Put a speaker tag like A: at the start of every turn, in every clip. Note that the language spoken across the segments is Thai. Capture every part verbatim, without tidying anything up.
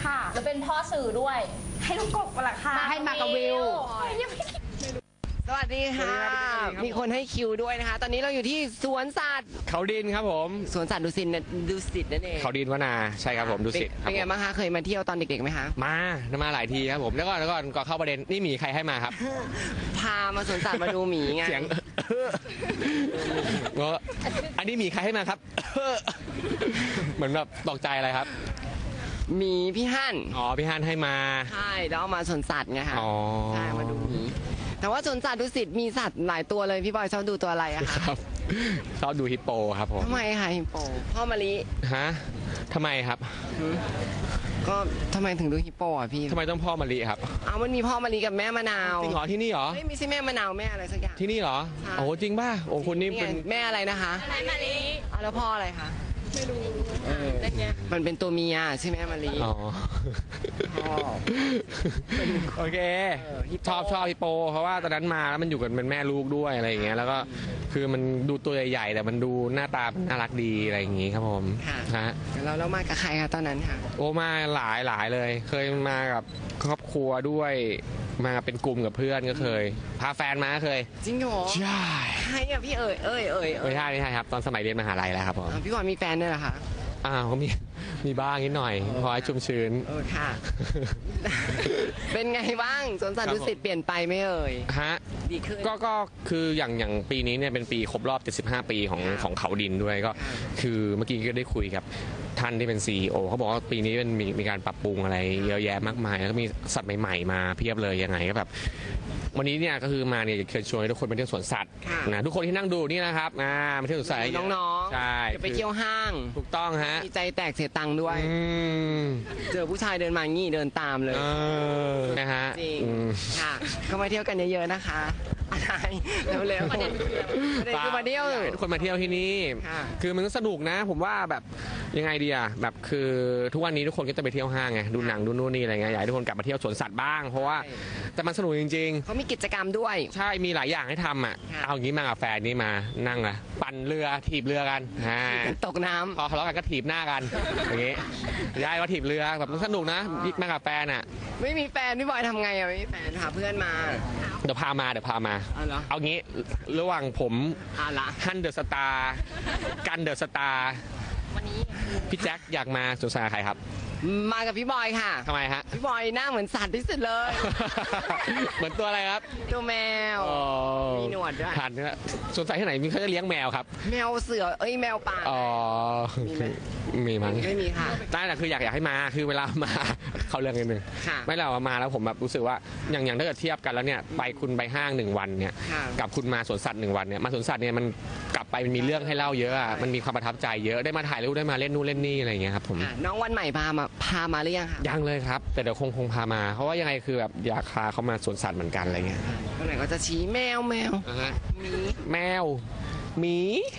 A: ค่ะแล้วเป็นพ่อสื่อด้วยให้ลูกกบมาละค่ะ
B: ให้มากับวิวสวัสดีค่ะ มีคนให้คิวด้วยนะคะ ตอนนี้เราอยู่ที่สวนสัตว์
C: เขาดินครับผม
B: สวนสัตว์ดุสิตดุสิตนั่นเอง
C: เขาดินวนาใช่ครับผมดุสิต
B: เป็นไงบ้างคะเคยมาเที่ยวตอนเด็กๆไหมคะ
C: มามาหลายทีครับผมแล้วก็แล้วก็ก็เข้าประเด็นนี่หมีใครให้มาครับ
B: พามาสวนสัตว์มาดูหมีไง
C: เสียงอันนี้หมีใครให้มาครับเหมือนแบบตกใจอะไรครับ
B: มีพี่ฮั่น
C: อ๋อพี่ฮั่นให้มา
B: ใช่แล้วเอามาสวนสัตว์ไงคะ
C: อ๋อ
B: ใช่มาดูหมีแต่ว่าสวนสัตว์ดุสิตมีสัตว์หลายตัวเลยพี่บอยชอบดูตัวอะไรอะคะ
C: ครับชอบดูฮิปโปครับผม
B: ทำไมคะฮิปโปพ่อมะลิ
C: ฮะทำไมครับ
B: ก็ทำไมถึงดูฮิปโปอ่ะพี่
C: ทำไมต้องพ่อมะลิครับ
B: อ้าวมันมีพ่อมะลิกับแม่มะนาว
C: จริงเหรอที่นี่เหรอ
B: ไม่มีใช่แม่มะนาวแม่อะไรสักอย่าง
C: ที่นี่เหรอโอ้จริงป่ะโอ้คุณนี่เป็น
B: แม่อะไรนะคะ
A: แม่มะลิ
B: อ้าวแล้วพ่ออะไรคะ
A: ไม่รู้
B: มันเป็นตัวเมียใช่ไหมมะลิ
C: อ๋อโอเคชอบชอบฮิปโปเพราะว่าตอนนั้นมาแล้วมันอยู่กันเป็นแม่ลูกด้วยอะไรอย่างเงี้ยแล้วก็คือมันดูตัวใหญ่ๆแต่มันดูหน้าตาน่ารักดีอะไรอย่างงี้ครับผม
B: ฮะแล้วเรามากับใครคะตอนนั้นค่ะ
C: โอ้มาหลายหลายเลย เคยมากับครอบครัวด้วยมาเป็นกลุ่มกับเพื่อนก็เคยพาแฟนมาเคย
B: จริงเหรอ
C: ใช่
B: ใช่อะพี่เอ๋ยเอ๋ยเอ๋ย
C: ไม่ใช่ไม่ใช่ครับตอนสมัยเรียนมหาลัยแล้วครับผม
B: พี่บอยมีแฟนด้วยเหรอคะ
C: อ้าวเขามีมีบ้างนิดหน่อยพอให้ชุ่มชื้น
B: เออค่ะเป็นไงบ้างสวนสัตว์ดุสิตเปลี่ยนไปไหมเอ่ย
C: ฮะ
B: ดีขึ้น
C: ก็ก็คืออย่างอย่างปีนี้เนี่ยเป็นปีครบรอบเจ็ดสิบห้าปีของของเขาดินด้วยก็คือเมื่อกี้ก็ได้คุยกับท่านที่เป็น ซี อี โอ เขาบอกว่าปีนี้มันมีมีการปรับปรุงอะไรเยอะแยะมากมายแล้วก็มีสัตว์ใหม่ๆมาเพียบเลยยังไงก็แบบวันนี้เนี่ยก็คือมาเนี่ยเชิญชวนให้ทุกคนไปเที่ยวสวนสัตว์นะทุกคนที่นั่งดูนี่นะครับมามาเที่ยวสวนสัตว์
B: น้อง
C: ๆใช่
B: จะไปเที่ยวห้าง
C: ถูกต้องฮะ
B: มีใจแตกเสียตังค์ด้วยเจอผู้ชายเดินมางี้เดินตามเลย
C: นะฮะ
B: จริงค่ะก็มาเที่ยวกันเยอะๆนะคะอะไรเร็วๆประเด็นคือมาเที่ยว
C: ทุกคนมาเที่ยวที่นี่คือมันก็สนุกนะผมว่าแบบยังไงดีอะแบบคือทุกวันนี้ทุกคนก็จะไปเที่ยวห้างไงดูหนังดูนู่นนี่อะไรเงี้ยอยากให้ทุกคนกลับมาเที่ยวสวนสัตว์บ้างเพราะว่าแต่มันสนุกจริง
B: ๆเขามีกิจกรรมด้วย
C: ใช่มีหลายอย่างให้ทำอ่ะเอาอย่างนี้มากับแฟนนี่มานั่งอะปั่นเรือถีบเรือกัน
B: ตกน้ำ
C: พอทะเลาะกันก็ถีบหน้ากันอย่างงี้ย้ายว่าถีบเรือแบบมันสนุกนะมากับแฟนอ่ะ
B: ไม่มีแฟนพี่บอยทำไงอ่ะไม่มีแฟนพาเพื่อนมา
C: เดี๋ยวพามาเดี๋ยวพามาเอางี้ระหว่างผมฮันเดอะสตาร์กันเดอะสตาร์
B: วันนี้
C: พี่แจ็คอยากมาสวนสัตว์ใครครับ
B: มากับพี่บอยค่ะ
C: ทำไมฮะ
B: พี่บอยหน้าเหมือนสัตว์ที่สุดเลย
C: เหมือนตัวอะไรครับ
B: ตัวแมวมีหนวดด้วย
C: ทันนะสวนสัตว์ที่ไหนมีเขาจะเลี้ยงแมวครับ
B: แมวเสือเอ้ยแมวป่า
C: อ๋อมีมั้ง
B: ไม่มีค่ะ
C: แต่แต่คืออยากอยากให้มาคือเวลามาเขาเรื่องนิดนึงไม่เรามาแล้วผมแบบรู้สึกว่าอย่างอย่างถ้าเกิดเทียบกันแล้วเนี่ยไปคุณไปห้างหนึ่งวันเนี่ยกับคุณมาสวนสัตว์หนึ่งวันเนี่ยมาสวนสัตว์เนี่ยมันกลับไปมันมีเรื่องให้เล่าเยอะอ่ะมันมีความประทับใจเยอะได้มาถ่ายรูปได้มาเล่นนู่นเล่นนี่อะไรอย่างเงี้ยครับผม
B: น้องวันใหม่พามาพามาหรือยังคะ
C: ยังเลยครับแต่เดี๋ยวคงคงพามาเพราะว่ายังไงคือแบบอยากพาเขามาสวนสัตว์เหมือนกันอะไรเงี้ย
B: ตรงไหนก็จะชี้แมวแมว
C: มีแมวหมี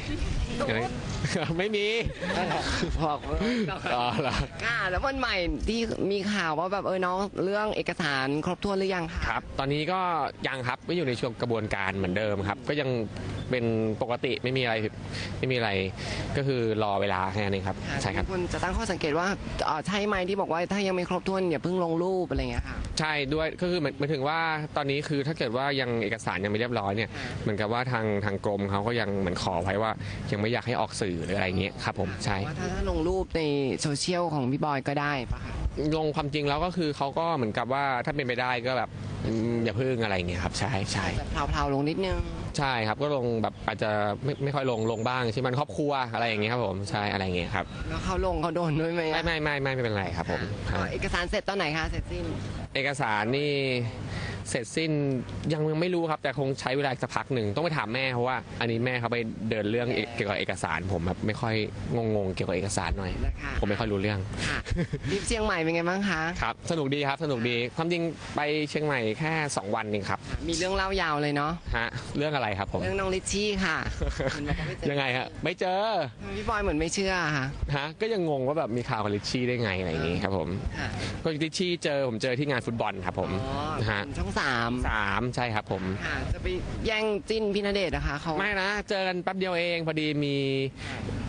C: ไม่มี
B: บอก
C: อ๋อเหรอ
B: ค่ะแล้ววันใหม่ที่มีข่าวว่าแบบเออน้องเรื่องเอกสารครบถ้วนหรือยังคะ
C: ครับตอนนี้ก็ยังครับก็อยู่ในช่วงกระบวนการเหมือนเดิมครับก็ยังเป็นปกติไม่มีอะไรไม่มีอะไรก็คือรอเวลาแค่นี้ครับใช่ครับ
B: คุณจะตั้งข้อสังเกตว่าใช่ไหมที่บอกว่าถ้ายังไม่ครบถ้วนอย่าเพิ่งลงรูปอะไรเงี้ยค่ะ
C: ใช่ด้วยก็คือหมายถึงว่าตอนนี้คือถ้าเกิดว่ายังเอกสารยังไม่เรียบร้อยเนี่ยเหมือนกับว่าทางทางกรมเขาก็ยังเหมือนขอไว้ว่ายังไม่อยากให้ออกสื่อหรืออะไรเงี้ยครับผมใช่
B: ว่าถ้าลงรูปในโซเชียลของพี่บอยก็ได้ปะคะ
C: ลงความจริงแล้วก็คือเขาก็เหมือนกับว่าถ้าเป็นไปได้ก็แบบอย่าพึ่งอะไรเงี้ยครับใช่ใช่
B: เพลาๆลงนิดนึง
C: ใช่ครับก็ลงแบบอาจจะไม่ไม่ค่อยลงลงบ้างใช่มันครอบครัวอะไรอย่างเงี้ยครับผมใช่อะไรเงี้ยครับ
B: แล้วเขาลงเขาโดนด้วยไหม
C: ไม่ไม่ไม่ไม่ไม่เป็นไรครับผม
B: เอกสารเสร็จตอนไหนคะเสร็จสิ้น
C: เอกสารนี่เสร็จสิ้นยังยังไม่รู้ครับแต่คงใช้เวลาสักพักหนึ่งต้องไปถามแม่เพราะว่าอันนี้แม่เขาไปเดินเรื่องเกี่ยวกับเอกสารผมแบบไม่ค่อยงงๆเกี่ยวกับเอกสารหน่อยผมไม่ค่อยรู้เรื่อง
B: ทริปเชียงใหม่เป็นไงบ้างคะ
C: ครับสนุกดีครับสนุกดีความจริงไปเชียงใหม่แค่สองวันเองครับ
B: มีเรื่องเล่ายาวเลยเนาะ
C: ฮะเรื่องอะไรครับผม
B: เรื่องน้องลิชชี่ค่ะ
C: ยังไงฮะไม่เจอ
B: พี่บอยเหมือนไม่เชื่อค่ะ
C: ฮะก็ยังงงว่าแบบมีข่าวกับลิชชี่ได้ไงอะไรอย่างงี้ครับผมก็ลิชชี่เจอผมเจอที่งานฟุตบอลครับผม
B: ฮะช่องสาม
C: สามใช่ครับผม
B: จะไปแย่งจิ้นพี่ณเดชน์นะคะเขา
C: ไม่นะเจอกันแป๊บเดียวเองพอดีมี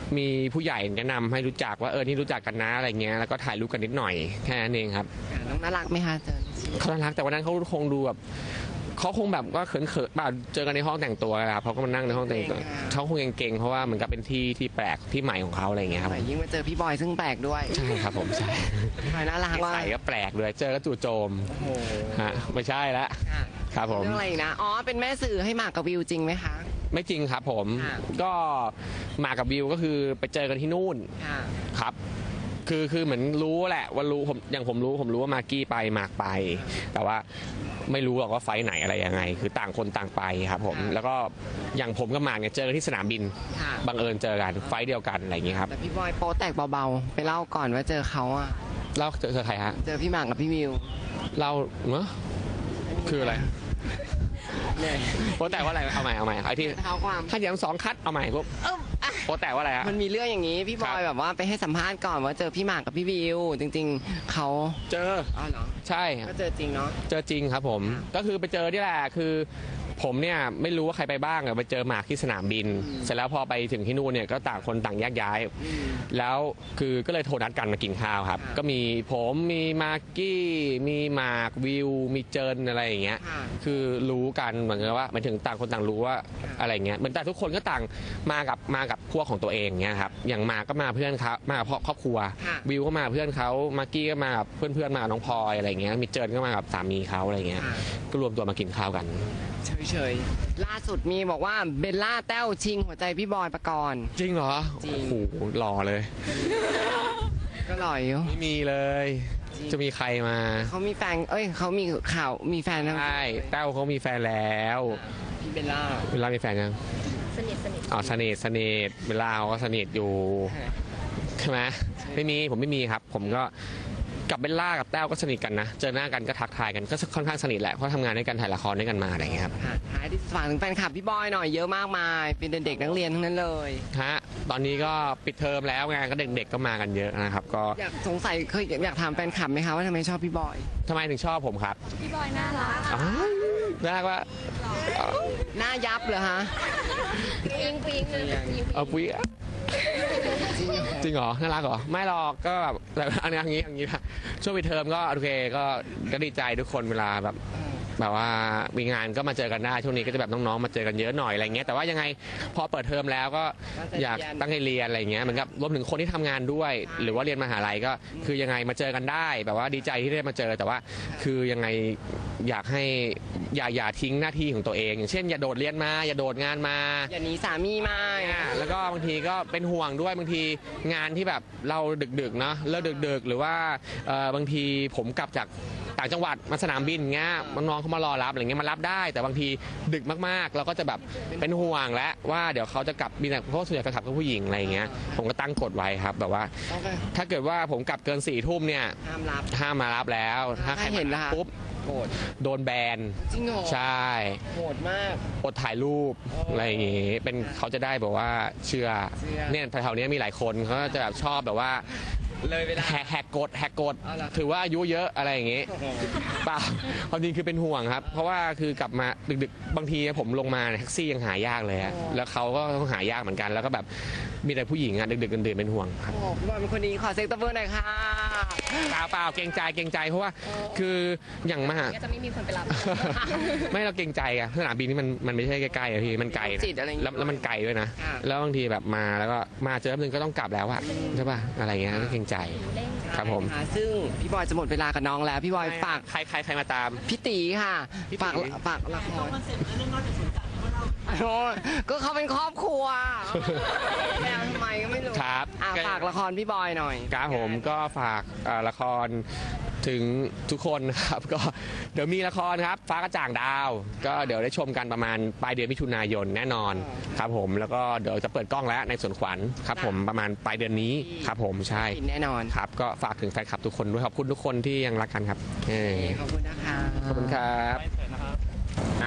C: มีผู้ใหญ่แนะนำให้รู้จักว่าเออนี่รู้จักกันนะอะไรเงี้ยแล้วก็ถ่ายรูปกันนิดหน่อยแค่นั้นเองครับ
B: น้องน่ารักไหมคะเจอ
C: เขาน่ารักแต่วันนั้นเขาคงดูแบบเขาคงแบบว่าเขินเขินๆแบบเจอกันในห้องแต่งตัวครับเขาก็มานั่งในห้องแต่งตัวเขาคงเก่งๆเพราะว่าเหมือนกับเป็นที่ที่แปลกที่ใหม่ของเขาอะไรเงี้ยครับ
B: ยิ่งมาเจอพี่บอยซึ่งแปลกด้วย
C: ใช่ครับผมใช่
B: พี่บอยน่ารักว่า
C: ใส่ก็แปลกเลยเจอก็จู่โจม
B: โอ้โห
C: ฮะไม่ใช่ละ
B: ค่ะ
C: ครับผม
B: เรื่องอะไรอีกนะอ๋อเป็นแม่สื่อให้หมากกับวิวจริงไหมคะ
C: ไม่จริงครับผม
B: ค่ะ
C: ก็มากับวิวก็คือไปเจอกันที่นู่น
B: ค่ะ
C: ครับ คือคือเหมือนรู้แหละว่ารู้ผมอย่างผมรู้ผมรู้ว่ามากกี้ไปมากไป แต่ว่าไม่รู้หรอกว่าไฟล์ไหนอะไรยังไง คือต่างคนต่างไปครับผม แล้วก็อย่างผมกับหมากเนี่ยเจอกันที่สนามบิน
B: ค่ะ
C: บังเอิญเจอกันไฟล์เดียวกันอะไรอย่างงี้ครับ
B: แต่พี่บอยโป๊แตกเบาๆไปเล่าก่อนว่าเจอเขาอะ
C: เล่าเจอเจอใครฮะ
B: เจอพี่หมากกับพี่วิว
C: เล่าเนอะคืออะไร
B: เนี่ย
C: โปรแต่ว่าอะไรเอาใหม่เอาใหม่ไอ้ที่
B: เท้าความ
C: ถ้าอย่างสองคัดเอาใหม่ปุ๊บ
B: เอิ่มอ่ะ
C: โปรแต่ว่าอะไรฮะ
B: มันมีเรื่องอย่างนี้พี่บอยแบบว่าไปให้สัมภาษณ์ก่อนว่าเจอพี่หมากกับพี่วิว จริงๆเขา
C: เจอ
B: อ๋อเหรอ
C: ใช่
B: ก็เจอจริงเนาะ
C: เจอจริงครับผม ก็คือไปเจอที่แหละคือ ผมเนี่ยไม่รู้ว่าใครไปบ้างอะไปเจอหมากที่สนามบิน เสร็จแล้วพอไปถึงที่นู่นเนี่ยก็ต่างคนต่างแยกย้าย แล้วคือก็เลยโทรนัดกันมากินข้าวครับ ก็มีผมมีมากกี้มีหมากวิว มีเจินอะไรอย่างเงี้ย
B: ค่ะ
C: คือรู้กันเหมือนกับว่าหมายถึงต่างคนต่างรู้ว่าอะไรเงี้ยเหมือนแต่ทุกคนก็ต่างมากับมากับพวกของตัวเองเงี้ยครับอย่างหมากก็มาเพื่อนเขามากับครอบครัว
B: ค่ะ
C: วิวก็มาเพื่อนเขามากกี้ก็มากับเพื่อนๆมากับน้องพลอยอะไรเงี้ยมีเจินก็มากับสามีเขาอะไรเงี้ย
B: ค่ะ
C: ก็รวมตัวมากินข้าวกัน
B: เฉยๆล่าสุดมีบอกว่าเบลล่าแต้วชิงหัวใจพี่บอยปกรณ์
C: จริงเหรอ
B: จริง
C: โอ้โหหล่อเลย
B: ก็หล่อยอยู่
C: ไม่มีเลย
B: จริง
C: จะมีใครมา
B: เขามีแฟนเอ้ยเขามีข่าวมีแฟนแล้ว
C: ใช่แต้วเขามีแฟนแล้ว
B: พี่เบลล่า
C: เวลามีแฟนยัง
A: สนิทสนิท
C: อ๋อสนิทสนิทเวลาเขาก็สนิทอยู่ใช่ไหมไม่มีผมไม่มีครับ ผมก็กับเบลล่ากับแต้วก็สนิทกันนะเจอหน้ากันก็ทักทายกันก็ค่อนข้างสนิทแหละเพราะทำงานด้วยกันถ่ายละครด้วยกันมาอะไรอย่างเงี้ยครับ
B: ค่ะท้ายที่ฝากถึงแฟนคลับพี่บอยหน่อยเยอะมากมาย เป็นเด็กๆนักเรียนทั้งนั้นเลย
C: ฮะตอนนี้ก็ปิดเทอมแล้วไงก็เด็กๆก็มากันเยอะนะครับ ก็
B: อยากสงสัยเคยอยากถามแฟนคลับไหมคะว่าทำไมชอบพี่บอย
C: ทำไมถึงชอบผมครับ
A: พี่บอยน่ารัก
C: อ๋อน่ารักว่า
B: หน้ายับเหรอฮะ
A: ปิงปิงเลยปิง
C: เอาปุ้ยอะจริงเหรอน่ารักเหรอไม่หรอกก็แบบแต่อันนี้อย่างนี้อย่างนี้นะช่วงปิดเทอมก็โอเคก็ก็ดีใจทุกคนเวลาแบบ แบบว่ามีงานก็มาเจอกันได้ช่วงนี้ก็จะแบบน้องๆมาเจอกันเยอะหน่อยอะไรเงี้ยแต่ว่ายังไงพอเปิดเทอมแล้วก็อยากตั้งใจเรียนอะไรเงี้ยเหมือนกับรวมถึงคนที่ทำงานด้วย หรือว่าเรียนมหาลัยก็คือยังไงมาเจอกันได้ แบบว่าดีใจที่ได้มาเจอแต่ว่า คือยังไงอยากให้อย่าอย่าทิ้งหน้าที่ของตัวเอง อย่างเช่นอย่าโดดเรียนมาอย่าโดดงานมา
B: อย่าหนีสามีมา
C: อ่าแล้วก็บางทีก็เป็นห่วงด้วยบางทีงานที่แบบเราดึกๆเนาะเลิกดึกๆ หรือว่าเอ่อบางทีผมกลับจากต่างจังหวัดมาสนามบินเงี้ยน้องๆเขามารอรับอะไรเงี้ยมารับได้ แต่บางทีดึกมากๆ เราก็จะแบบเป็นห่วงแล้วว่าเดี๋ยวเขาจะกลับบินเพราะส่วนใหญ่แฟนคลับก็ผู้หญิงอะไรเงี้ยผมก็ตั้งกฎไว้ครับแบบว่า
B: ต้องไป
C: ถ้าเกิดว่าผมกลับเกินสี่ทุ่มเนี่ย
B: ห้ามรับ
C: ห้ามมารับแล้ว ถ้าใคร
B: ถ้าเห็น
C: มา
B: นะคะ
C: ปุ๊บ
B: โกรธ
C: โดนแบน
B: จริงเหรอ
C: ใช่
B: โหดมาก
C: อดถ่ายรูปอะไรอย่างงี้เป็นเขาจะได้แบบว่าเชื่อ
B: เชื่อ
C: เนี่ยแถวๆนี้มีหลายคนเขาก็จะแบบชอบแบบว่า
B: เลยเวลา
C: แหกแหกกฎแหกกฎ
B: เอาล่ะ
C: ถือว่าอายุเยอะอะไรอย่างงี้เปล่าความจริงคือเป็นห่วงครับ เพราะว่าคือกลับมาดึกๆบางทีผมลงมาเนี่ยแท็กซี่ยังหายากเลยอะแล้วเขาก็ต้องหายากเหมือนกัน แล้วก็แบบมีแต่ผู้หญิงอะดึกๆดื่นๆเป็นห่วงครับ
B: โอ้พี่บอยเป็นคนดีขอเซ็กตบเบอร์หน่อยค่ะ
C: เปล่าเปล่าเกรงใจเกรงใจเพราะว่าคืออย่างมหา
A: ก็จะไม่มีคนไปรับ
C: ไม่เราเกรงใจอะสนามบินนี่มันมันไม่ใช่ใกล้ๆอะพี่มันไกลนะ
B: จิตอะไรอย่างงี้
C: แล้วแล้วมันไกลด้วยนะ
B: ค่ะ
C: แล้วบางทีแบบมาแล้วก็มาเจอแป๊บนึงก็ต้องกลับแล้วอะใช่ป่ะอะไรเงี้ยก็เกรงใจครับผม
B: ค่ะซึ่งพี่บอยจะหมดเวลากับน้องแล้วพี่บอยฝาก
C: ใครใครใครมาตาม
B: พี่ตีค่ะ
C: พี่ตี
B: ฝากฝากละครโอ้ยก็เขาเป็นครอบครัวแมวทำไมก็ไม่รู้
C: ครับ
B: อ่ะฝากละครพี่บอยหน่อย
C: ครับผมก็ฝากเอ่อละครถึงทุกคนนะครับ ก็เดี๋ยวมีละครครับฟ้ากระจ่างดาว ก็เดี๋ยวได้ชมกันประมาณปลายเดือนมิถุนายนแน่นอนครับผมแล้วก็เดี๋ยวจะเปิดกล้องแล้วในสวนขวัญครับผมประมาณปลายเดือนนี้ครับผมใช่
B: ปิดแน่นอน
C: ครับก็ฝากถึงแฟนคลับทุกคนด้วยขอบคุณทุกคนที่ยังรักกันครับเออ
B: ขอบคุณนะคะ
C: ขอบคุณครับนะ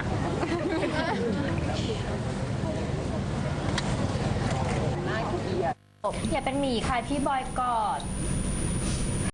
A: อย่าเป็นหมีค่ะพี่บอยกอด